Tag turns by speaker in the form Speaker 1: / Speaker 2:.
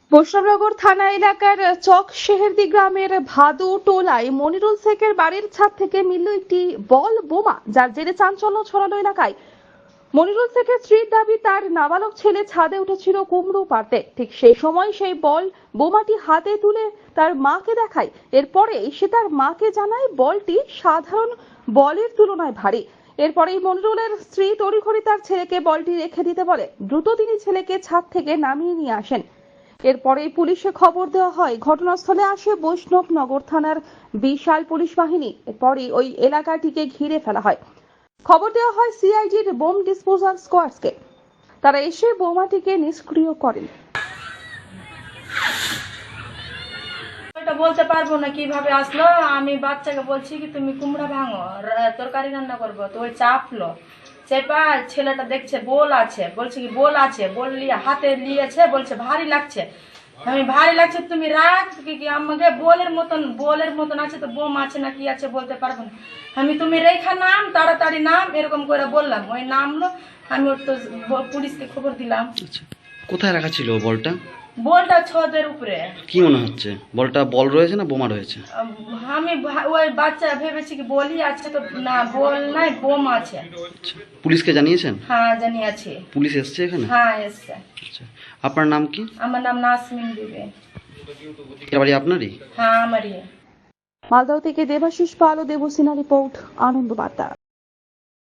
Speaker 1: বৈষ্ণবনগর থানা এলাকার চক শেহেরদি গ্রামের ভাদু টোলায় মনিরুল শেখের বাড়ির ছাদ থেকে মিলল একটি বল বোমা, যার জেরে চাঞ্চল্য ছড়ালো এলাকায়। মনিরুল শেখের স্ত্রীর দাবি, তার নাবালক ছেলে ছাদে উঠেছিল কুমড়ো পাড়তে। ঠিক সেই সময় সেই বল বোমাটি হাতে তুলে তার মাকে দেখায়। এরপরে সে তার মাকে জানায় বলটি সাধারণ বলের তুলনায় ভারী। এরপরেই মনিরুলের স্ত্রী তড়িঘড়ি তার ছেলেকে বলটি রেখে দিতে বলে। দ্রুত তিনি ছেলেকে ছাদ থেকে নামিয়ে নিয়ে আসেন। এরপরেই পুলিশে খবর দেওয়া হয়। ঘটনাস্থলে আসে বৈষ্ণবনগর থানার বিশাল পুলিশ বাহিনী। এরপরই ওই এলাকাটিকে ঘিরে ফেলা হয়। খবর দেওয়া হয় সিআইডির বোম ডিসপোজাল স্কোয়াডকে। তারা এসে বোমাটিকে নিষ্ক্রিয় করেন।
Speaker 2: বলতে পারবো না কিভাবে আসলো। আমি বাচ্চাকে বলছি কি তুমি কুমড়া ভাঙো, তরকারি রান্না করবো, তো ওই চাপলো। চেপা ছেলেটা দেখছে বোল আছে, বলছে কি বোল আছে, বোল নিয়ে হাতে নিয়েছে, বলছে ভারী লাগছে। আমি ভারী লাগছে তুমি রাখ, কি আমাকে বোলের মতন আছে, তো বোম আছে না কি আছে বলতে পারবো না। আমি তুমি রেখা নাম, তাড়াতাড়ি নাম, এরকম করে বললাম। ওই নামলো, আমি ওর তো পুলিশকে খবর দিলাম।
Speaker 3: আচ্ছা, কোথায় রাখা ছিল বলটা?
Speaker 2: বলটা ছাদের উপরে।
Speaker 3: কি মনে হচ্ছে, বলটা বল রয়েছে না বোমা রয়েছে?
Speaker 2: আমি ওই বাচ্চা ভেবেছি কি বলই আছে, তো না বল নাই, বোম আছে।
Speaker 3: আচ্ছা, পুলিশকে জানিয়েছেন?
Speaker 2: হ্যাঁ জানিয়েছি।
Speaker 3: পুলিশ এসছে এখানে?
Speaker 2: হ্যাঁ এসছে।
Speaker 3: আচ্ছা, আপনার নাম কি?
Speaker 2: আমার নাম নাসমিন বিবি।
Speaker 3: এ বাড়ি আপনারই?
Speaker 2: হ্যাঁ আমারই।
Speaker 1: মালদহ থেকে দেবাশিস পাল ও দেবসিনা রিপোর্ট, আনন্দ বার্তা।